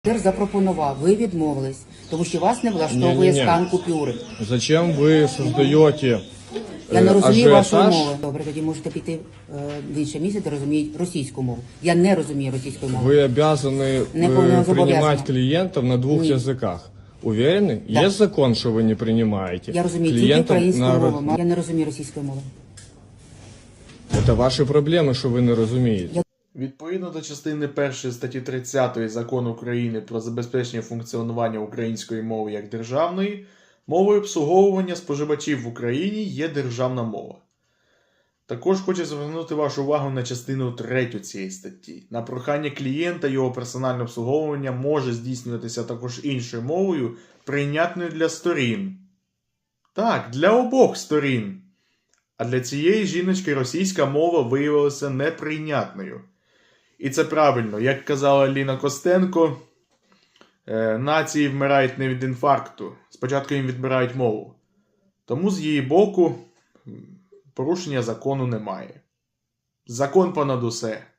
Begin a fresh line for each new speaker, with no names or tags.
Запропонував, ви відмовились, тому що вас не влаштовує стан купюри.
Зачем ви создаєте
Я не розумію вашої
ажіотаж?
мови. Добре, тоді можете піти в інше місце, де розуміють російську мову. Я не розумію російської мови.
Вы обязаны принимать клиентов на двух языках. Уверены?
Да.
Есть закон, что вы не принимаете
Я розумію тільки
клиентов
українську
на...
мову. Я не розумію російської мови.
Это ваши проблемы, что вы не розумієте.
Відповідно до частини 1 статті 30 Закону України про забезпечення функціонування української мови як державної, мовою обслуговування споживачів в Україні є державна мова. Також хочу звернути вашу увагу на частину 3 цієї статті. На прохання клієнта його персональне обслуговування може здійснюватися також іншою мовою, прийнятною для сторін. Так, для обох сторін. А для цієї жіночки російська мова виявилася неприйнятною. І це правильно, як казала Ліна Костенко, нації вмирають не від інфаркту, спочатку їм відбирають мову. Тому з її боку порушення закону немає. Закон понад усе.